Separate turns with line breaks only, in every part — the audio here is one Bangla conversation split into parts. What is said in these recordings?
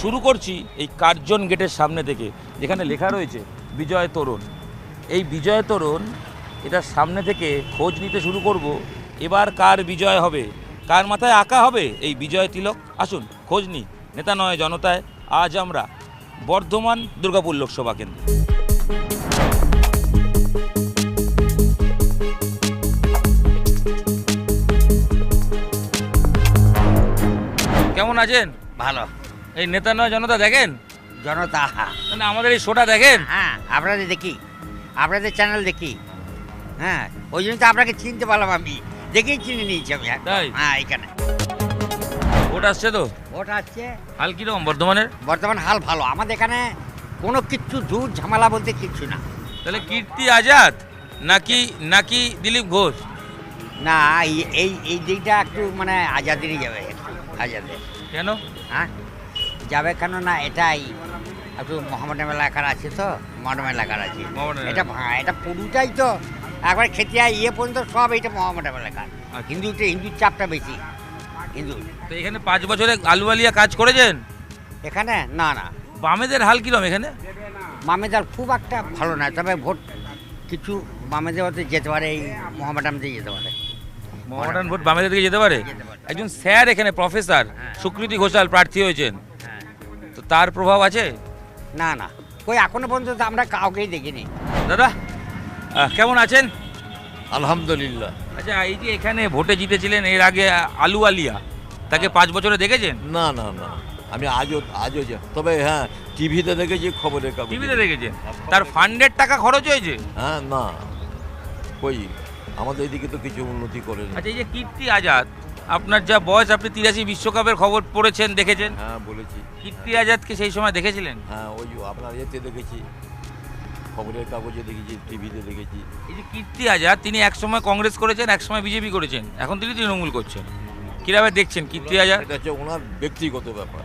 শুরু করছি এই কার্জন গেটের সামনে থেকে, যেখানে লেখা রয়েছে বিজয় তোরণ। এই বিজয় তোরণ এটার সামনে থেকে খোঁজ নিতে শুরু করব, এবার কার বিজয় হবে, কার মাথায় আঁকা হবে এই বিজয় তিলক। আসুন খোঁজ নিই নেতা নয় জনতায়। আজ আমরা বর্ধমান দুর্গাপুর লোকসভা কেন্দ্রে। কেমন আছেন?
ভালো।
এই নেতা নয় জনতা দেখেন?
জনতা,
মানে আমাদের এই শোটা দেখেন?
হ্যাঁ আপনাদের দেখি, আপনাদের চ্যানেল দেখি। হ্যাঁ, ওই জন্য তো আপনাকে চিনতে পারলাম, আমি দেখেই চিনে নিয়েছি আমি।
তাই?
হ্যাঁ, এখানে
ভোট আসছে তো,
ভোট আসছে।
হাল কিরকম বর্ধমানের?
বর্তমান হাল ভালো, আমাদের এখানে কোনো কিচ্ছু ঝুট ঝামেলা বলতে কিচ্ছু না।
তাহলে কীর্তি আজাদ নাকি দিলীপ ঘোষ?
না, এই দিকটা একটু মানে আজাদেরই যাবে, একটু আজাদের।
কেন?
হ্যাঁ যাবে কেন না, এটাই একটু মোহাম্মদ এলাকার আছে তো, মডার্ন এলাকার আছে
মোহামেডান
এটা। হ্যাঁ, এটা পুরোটাই তো একবার খেতে ইয়ে পর্যন্ত সব এইটা মোহাম্মদ এলাকার।
আচ্ছা।
হিন্দুর চাপটা বেশি, হিন্দু।
তো এখানে 5 বছরে আলুয়ালিয়া কাজ করেছেন?
এখানে না না,
বামেদের হাল কিরম এখানে?
মামেদার খুব একটা ভালো না, তবে ভোট কিছু বামেদের হতে যেতে পারে, এই মোহাম্মদানতে যেতে পারে।
মডার্ন ভোট বামেদের দিকে যেতে পারে।
যেতে পারে।
একজন স্যার এখানে প্রফেসর সুকৃতি ঘোষাল প্রার্থী হয়েছেন,
হ্যাঁ।
তো তার প্রভাব আছে?
না না, ওই এখনো পর্যন্ত তো আমরা কাউকেই দেখিনি।
দাদা কেমন আছেন?
আলহামদুলিল্লাহ।
আচ্ছা, এই যে এখানে ভোটে জিতেছিলেন এর আগে আলুওয়ালিয়া, তাকে 5 বছরে দেখেছেন?
না না না, আমি আজও তবে হ্যাঁ টিভিতে দেখেছি, খবরের কাগজে।
টিভিতে দেখেছেন? তার ফান্ডের টাকা খরচ হয়েছে?
হ্যাঁ, না কই আমাদের এদিকে তো কিছু উন্নতি করেনি।
আচ্ছা, এই যে কীর্তি আজাদ, আপনার যা বয়স, আপনি 83 বিশ্বকাপের খবর পড়েছেন, দেখেছেন?
হ্যাঁ বলেছি।
কীর্তি আজাদকে সেই সময় দেখেছিলেন?
হ্যাঁ, ওই আপনার এতে দেখেছি, খবরের কাগজে দেখেছি, টিভিতে দেখেছি।
এই যে কীর্তি আজাদ, তিনি একসময় কংগ্রেস করেছেন, একসময় বিজেপি করেছেন, এখন তিনি তৃণমূল করছেন। কিভাবে দেখছেন কীর্তি আজাদ?
এটা হচ্ছে ওনার ব্যক্তিগত ব্যাপার।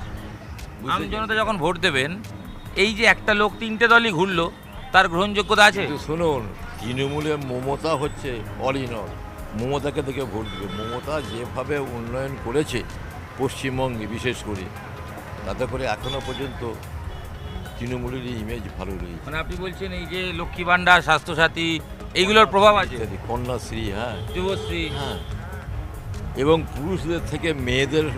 আম জনতা যখন ভোট দেবেন, এই যে একটা লোক 3টে দলই ঘুরলো, তার গ্রহণযোগ্যতা আছে?
কিন্তু শুনুন, তৃণমূলের মমতা হচ্ছে অল ইন অল। মমতাকে দেখে ভোট দেবে। মমতা যেভাবে উন্নয়ন করেছে পশ্চিমবঙ্গে বিশেষ করে, তাতে করে এখনো পর্যন্ত তৃণমূলের ইমেজ ভালো রয়েছে।
মানে আপনি বলছেন এই যে লক্ষ্মী ভাণ্ডার, স্বাস্থ্যসাথী, এইগুলোর প্রভাব আছে?
ইত্যাদি, কন্যাশ্রী, হ্যাঁ
যুবশ্রী।
হ্যাঁ, এবং পুরুষদের থেকে মেয়েদের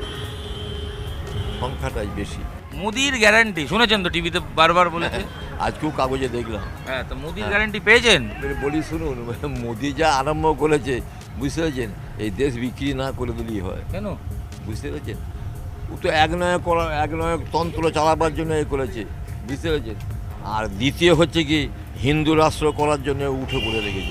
সংখ্যাটাই বেশি।
মোদির গ্যারান্টি শুনেছেন তো, টিভিতে বারবার বলেছে।
আজকেও কাগজে দেখলাম।
হ্যাঁ, তো মোদির
হ্যাঁ।
গ্যারান্টি পেয়েছেন?
এবারে বলি শুনুন, মোদি যা আরম্ভ করেছে, বুঝতে পেরেছেন, এই দেশ বিক্রি না করে দিলেই হয়।
কেন?
বুঝতে পেরেছেন, ও তো একনয়ক তন্ত্র চালাবার জন্য এ করেছে, বুঝতে পেরেছেন। আর দ্বিতীয় হচ্ছে কি, হিন্দু রাষ্ট্র করার জন্য উঠে পড়ে রেখেছে।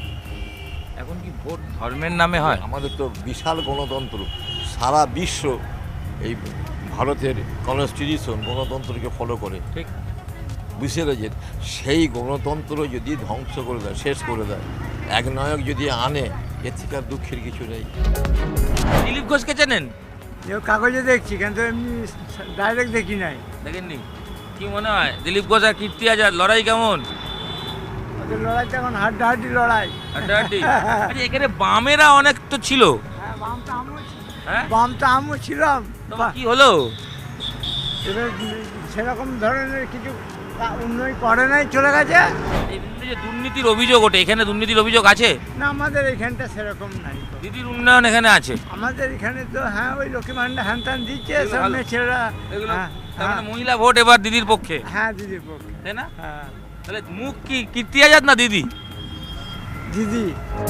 এখন কি ভোট ধর্মের নামে হয়?
আমাদের তো বিশাল গণতন্ত্র, সারা বিশ্ব এই ভারতের কনস্টিটিউশন গণতন্ত্রকে ফলো করে,
ঠিক।
বুঝতে পেরেছেন। সেই গণতন্ত্র যদি ধ্বংস করে দেয়, শেষ করে দেয়, একনায়ক যদি আনে, এর থেকে আর দুঃখের কিছু নেই।
দিলীপ ঘোষকে চেনেন?
কাগজে দেখছি, কিন্তু এমনি ডাইরেক্ট দেখি নাই।
দেখেননি? কি মনে হয় দিলীপ ঘোষ আর কীর্তি আজাদ লড়াই কেমন?
ওদের লড়াইটা এখন হাড্ডাহাড্ডি লড়াই।
হাড্ডাহাড্ডি? আচ্ছা, এখানে বামেরা অনেক তো ছিল।
হ্যাঁ,
হ্যাঁ,
বাম তো আমিও ছিলাম।
তবে কি হলো?
এবার সেরকম ধরনের কিছু উন্নয়ন করে নাই, চলে গেছে।
এই যে দুর্নীতির অভিযোগ ওঠে, এখানে দুর্নীতির অভিযোগ আছে?
না, আমাদের এখানটা সেরকম নাই।
দিদির উন্নয়ন এখানে আছে?
আমাদের এখানে তো হ্যাঁ, ওই লক্ষ্মী ভান্ডার হ্যান ত্যান দিচ্ছে,
এগুলো
সব
ভালো।
মেয়ে ছেলেরা।
এগুলো
হ্যাঁ,
তার মানে
হ্যাঁ,
মহিলা ভোট এবার দিদির পক্ষে,
হ্যাঁ, দিদির পক্ষে।
তাই না?
হ্যাঁ,
তাহলে মুখ কি কীর্তি আজাদ না দিদি?
দিদি।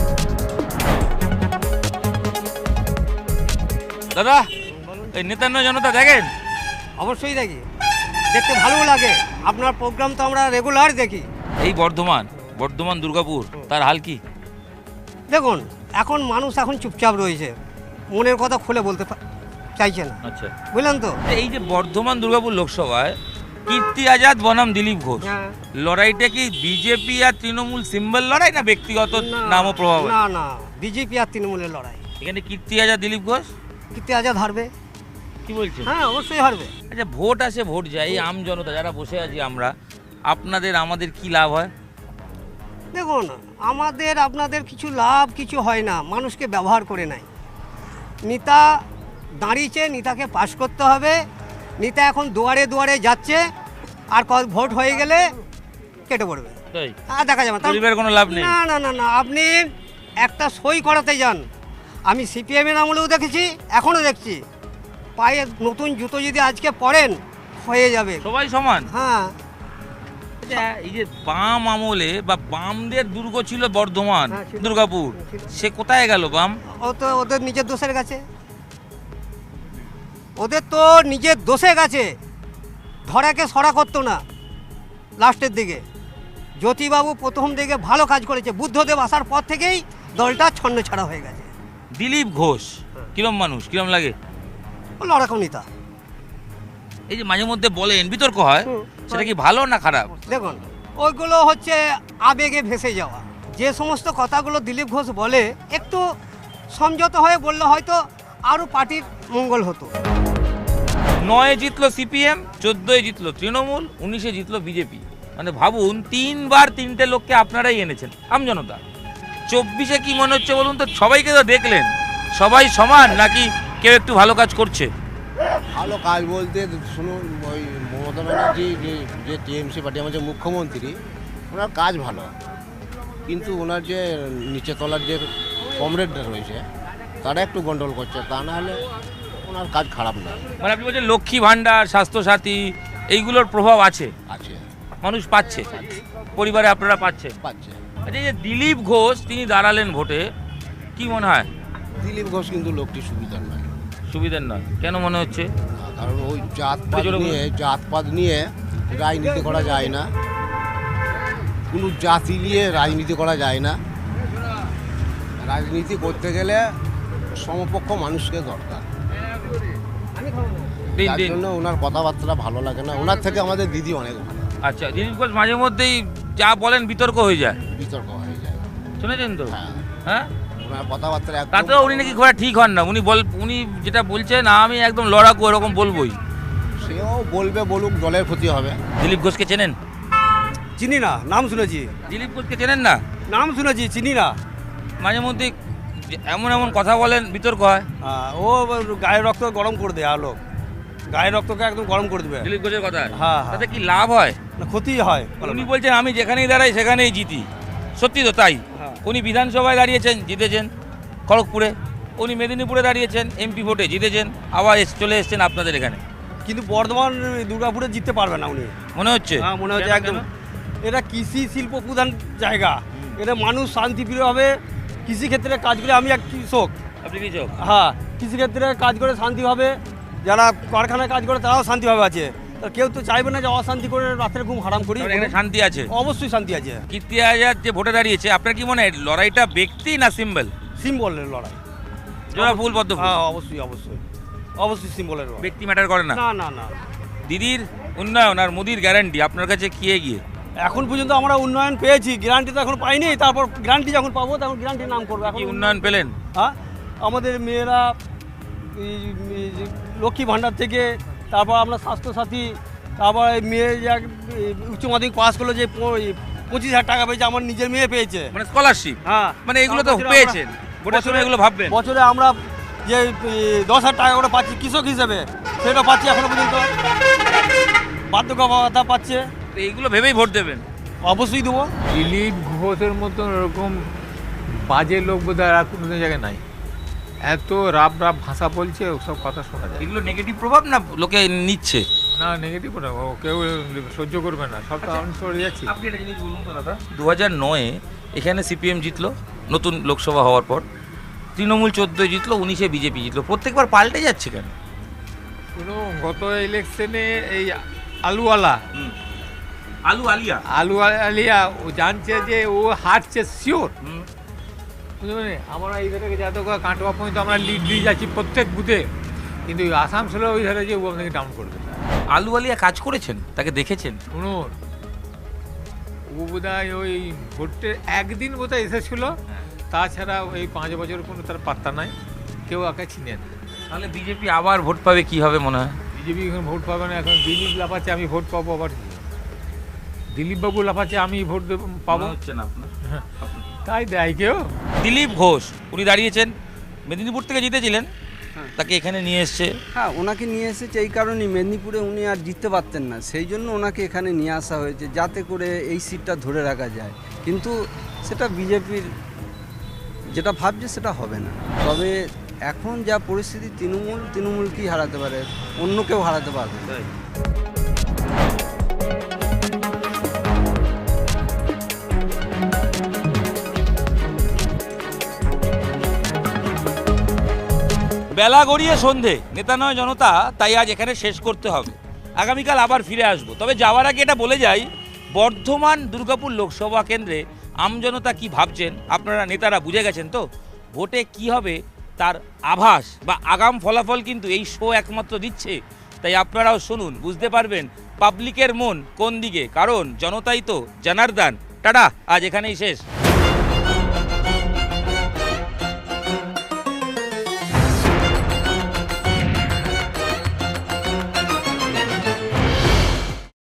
দাদা, এই নেতা নয় জনতা দেখেন?
অবশ্যই দেখি, দেখতে ভালো লাগে। আপনার প্রোগ্রাম তো আমরা রেগুলার দেখি।
এই বর্ধমান দুর্গাপুর, তার হাল কি?
দেখুন, এখন মানুষ এখন চুপচাপ রয়েছে, মনের কথা খুলে বলতে চাইছে না,
আচ্ছা,
বুঝলেন তো।
এই যে বর্ধমান দুর্গাপুর লোকসভায় কীর্তি আজাদ বনাম দিলীপ ঘোষ,
হ্যাঁ।
লড়াইটা কি বিজেপি আর তৃণমূল সিম্বল লড়াই, না ব্যক্তিগত নাম ও প্রভাব?
না না, বিজেপি আর তৃণমূলের লড়াই।
এখানে কীর্তি আজাদ দিলীপ ঘোষ
কীর্তি আজাদ হারবে।
কি বলছেন?
হ্যাঁ, অবশ্যই হারবে।
আচ্ছা, ভোট আসে ভোট যায়, এই আম জনতা যারা বসে আছি আমরা, আমাদের কি লাভ হয়?
দেখুন, আমাদের আপনাদের কিছু লাভ কিছু হয় না, মানুষকে ব্যবহার করে নেয়। নেতা দাঁড়িয়েছে, নেতাকে পাশ করতে হবে, নেতা এখন দুয়ারে দুয়ারে যাচ্ছে, আর ভোট হয়ে গেলে কেটে পড়বে,
তাই
আর দেখা যাবে না।
পরিবারের কোনো লাভ নেই।
না না না না, আপনি একটা সই করাতে যান, আমি সিপিএমের আমলেও দেখেছি, এখনও দেখছি, পায়ে নতুন জুতো যদি আজকে পরেন হয়ে যাবে।
সবাই সমান।
হ্যাঁ,
আচ্ছা, এই যে বাম আমলে বা বামদের দুর্গ ছিল বর্ধমান,
হ্যাঁ, ছিল।
দুর্গাপুর, সে কোথায় গেল বাম?
ও তো ওদের নিজের দোষের কাছে, ওদের তো নিজের দোষে গেছে, ধরাকে সরা করতো না লাস্টের দিকে। জ্যোতিবাবু প্রথম দিকে ভালো কাজ করেছে, বুদ্ধদেব আসার পর থেকেই দলটা ছন্ন ছাড়া হয়ে গেছে।
দিলীপ ঘোষ কিরম মানুষ, কিরম লাগে?
ও লড়াকম নেতা।
এই যে মাঝে মধ্যে বলেন বিতর্ক হয়,
হুম।
সেটা কি ভালো না খারাপ?
দেখুন, ওইগুলো হচ্ছে আবেগে ভেসে যাওয়া। যে সমস্ত কথাগুলো দিলীপ ঘোষ বলে একটু সমঝোত হয়ে বললে হয়তো আরও পার্টির মঙ্গল হতো।
9-এ জিতলো সিপিএম, 14-এ জিতলো তৃণমূল, 19-এ জিতলো বিজেপি। মানে ভাবুন, 3বার 3টে লোককে আপনারাই এনেছেন, আমজনতা। 24-এ কি মনে হচ্ছে বলুন তো? সবাইকে তো দেখলেন, সবাই সমান নাকি কেউ একটু ভালো কাজ করছে?
ভালো কাজ বলতে শুনুন, ওই মমতা ব্যানার্জি যে টিএমসি পার্টি আমাদের মুখ্যমন্ত্রী, ওনার কাজ ভালো, কিন্তু ওনার যে নিচে তলার যে কমরেডরা রয়েছে তারা একটু গন্ডগোল করছে, তা না হলে ওনার কাজ খারাপ নয়।
মানে আপনি বলছেন লক্ষ্মী ভাণ্ডার, স্বাস্থ্যসাথী, এইগুলোর প্রভাব আছে,
আছে,
মানুষ পাচ্ছে, পরিবারে আপনারা পাচ্ছেন।
পাচ্ছে।
আচ্ছা, এই যে দিলীপ ঘোষ তিনি দাঁড়ালেন ভোটে, কি মনে হয়?
দিলীপ ঘোষ কিন্তু লোকটি সুবিধার নয়,
সুবিধার নয় কেন মনে হচ্ছে?
কারণ ওই জাতপাত নিয়ে রাজনীতি করা যায় না, কোনো জাতি নিয়ে রাজনীতি করা যায় না। রাজনীতি করতে গেলে সমপক্ষ মানুষকে দরকার,
দিন
তার
দিন।
জন্য ওনার কথাবার্তা ভালো লাগে না। ওনার থেকে আমাদের দিদি অনেক ভালো,
আচ্ছা, দিলীপ ঘোষ মাঝে মধ্যেই যা বলেন বিতর্ক হয়ে যায়,
বিতর্ক হয়ে যায়।
শুনেছেন তো?
হ্যাঁ,
হ্যাঁ,
ওনার কথাবার্তা একদম
তাতেও উনি নাকি ঘোরা ঠিক হন না। উনি যেটা বলছেন, আমি একদম লড়াকু, এরকম বলবোই।
সেও বলবে, বলুক, দলের ক্ষতি হবে।
দিলীপ ঘোষকে চেনেন?
চিনি না, নাম শুনেছি।
দিলীপ ঘোষকে চেনেন না?
নাম শুনেছি, চিনি না।
মাঝে মধ্যে এমন এমন কথা বলেন, বিতর্ক হয়।
ও গায়ের রক্ত গরম করে দেয়, আলো গায়ের রক্তকে একদম গরম করে দেবে।
দিলীপ ঘোষের কথা,
হ্যাঁ,
তাতে কি লাভ হয়?
না, ক্ষতি হয়।
উনি বলছেন আমি যেখানেই দাঁড়াই সেখানেই জিতি। সত্যি তো তাই।
হ্যাঁ।
উনি বিধানসভায় দাঁড়িয়েছেন, জিতেছেন খড়গপুরে। উনি মেদিনীপুরে দাঁড়িয়েছেন, এমপি ভোটে জিতেছেন, আবার চলে এসেছেন আপনাদের এখানে।
কিন্তু বর্ধমান দুর্গাপুরে জিততে পারবে না উনি,
মনে হচ্ছে?
হ্যাঁ, মনে হচ্ছে
কেন,
একদম।
কেন?
এটা কৃষি শিল্প প্রধান জায়গা, এটা মানুষ শান্তিপ্রিয়ভাবে কৃষিক্ষেত্রে কাজ করে। আমি এক কৃষক,
আপনি কি চোখ?
হ্যাঁ, কৃষিক্ষেত্রে কাজ করে শান্তিভাবে, যারা কারখানায় কাজ করে তারাও শান্তিভাবে আছে। তা কেউ তো চাইবে না যে অশান্তি করে রাতের ঘুম হারাম করি।
তাহলে এখানে শান্তি আছে?
অবশ্যই শান্তি আছে।
কীর্তি আজাদ যে ভোটে দাঁড়িয়েছে, আপনার কি মনে হয় লড়াইটা ব্যক্তি না সিম্বল?
সিম্বলের লড়াই।
জোড়া ফুল পদ্ম ফুল।
হ্যাঁ, অবশ্যই অবশ্যই অবশ্যই সিম্বলের লড়াই।
ব্যক্তি ম্যাটার করে না।
না না না,
দিদির উন্নয়ন আর মোদির গ্যারান্টি আপনার কাছে কি এগিয়ে?
এখন পর্যন্ত আমরা উন্নয়ন পেয়েছি, গ্যারান্টি তো এখন পাইনি। তারপর গ্যারান্টি যখন পাবো তখন গ্যারান্টির নাম করবো। এখন
কি উন্নয়ন পেলেন?
হ্যাঁ, আমাদের মেয়েরা এই যে লক্ষ্মী ভাণ্ডার থেকে, তারপর আপনার স্বাস্থ্যসাথী, তারপর এই মেয়ে যে উচ্চ মাধ্যমিক পাস করলো যে 25,000 টাকা পেয়েছে, আমার নিজের মেয়ে পেয়েছে।
মানে স্কলারশিপ?
হ্যাঁ,
মানে এগুলো তো
তার বছরে
পেয়েছেন,
আমরা-
ভোটের সময় এগুলো ভাববেন।
বছরে আমরা যে 10,000 টাকা করে পাচ্ছি কৃষক হিসেবে, সেটা পাচ্ছি এখনো পর্যন্ত। বার্ধক্য ভাতা পাচ্ছে,
তো এইগুলো ভেবেই ভোট দেবেন?
অবশ্যই দেবো।
দিলীপ ঘোষের মতন ওরকম বাজে লোক বোধহয় আর কোনো জায়গায় নাই। এত রাব ভাষা বলছে, ওসব কথা শোনা যায়
এগুলো নেগেটিভ প্রভাব না লোকে নিচ্ছে?
না। নেগেটিভ না, ও কেউ সহ্য করবে না, সব তো আমি সরে যাচ্ছি।
আপনি একটা জিনিস বলুন তো দাদা, 2009-এ এখানে সিপিএম জিতলো, নতুন লোকসভা হওয়ার পর। তৃণমূল 14-এ জিতলো, 19-এ বিজেপি জিতলো। প্রত্যেকবার পাল্টে যাচ্ছে কেন?
শুনো, গত ইলেকশনে এই আলুওয়ালা
আলু
আলিয়া ও জানছে যে ও হারছে শিওর, বুঝলি? আমরা এই ধারে যাতে কাটোয়া পর্যন্ত আমরা লিড দিয়ে যাচ্ছি প্রত্যেক বুথে, কিন্তু আসানসোলে ওই ধারে যে ও আপনাকে ডাউন করবে।
আলু আলিয়া কাজ করেছেন, তাকে দেখেছেন?
শুনুন, ও বোধহয় ওই ভোটের একদিন বোধহয় এসেছিল, তাছাড়া ওই 5 বছর কোনো তার পাত্তা নাই, কেউ ওকে চিনে না।
তাহলে বিজেপি আবার ভোট পাবে কি হবে মনে হয়?
বিজেপি এখন ভোট পাবে না। এখন দিলীপ লাফাচ্ছে আমি ভোট পাবো, আবার দিলীপবাবু লাফাচ্ছে আমি ভোট পাবো,
মনে হচ্ছে না আপনার?
তাই দেয় কেউ।
দিলীপ ঘোষ উনি দাঁড়িয়েছেন, মেদিনীপুর থেকে জিতেছিলেন, তাকে এখানে নিয়ে এসছে।
হ্যাঁ, ওনাকে নিয়ে এসেছে এই কারণেই, মেদিনীপুরে উনি আর জিততে পারতেন না, সেই জন্য ওনাকে এখানে নিয়ে আসা হয়েছে যাতে করে এই সিটটা ধরে রাখা যায়। কিন্তু সেটা বিজেপির যেটা ভাবছে সেটা হবে না। তবে এখন যা পরিস্থিতি, তৃণমূল কি হারাতে পারে, অন্য কেউ হারাতে পারবে না।
বেলা গড়িয়ে সন্ধে, নেতা নয় জনতা, তাই আজ এখানে শেষ করতে হবে। আগামীকাল আবার ফিরে আসবো। তবে যাওয়ার আগে এটা বলে যাই, বর্ধমান দুর্গাপুর লোকসভা কেন্দ্রে আমজনতা কি ভাবছেন আপনারা নেতারা বুঝে গেছেন তো। ভোটে কি হবে তার আভাস বা আগাম ফলাফল কিন্তু এই শো একমাত্র দিচ্ছে। তাই আপনারাও শুনুন, বুঝতে পারবেন পাবলিকের মন কোন দিকে, কারণ জনতাই তো জনার্দন। টাটা, আজ এখানেই শেষ।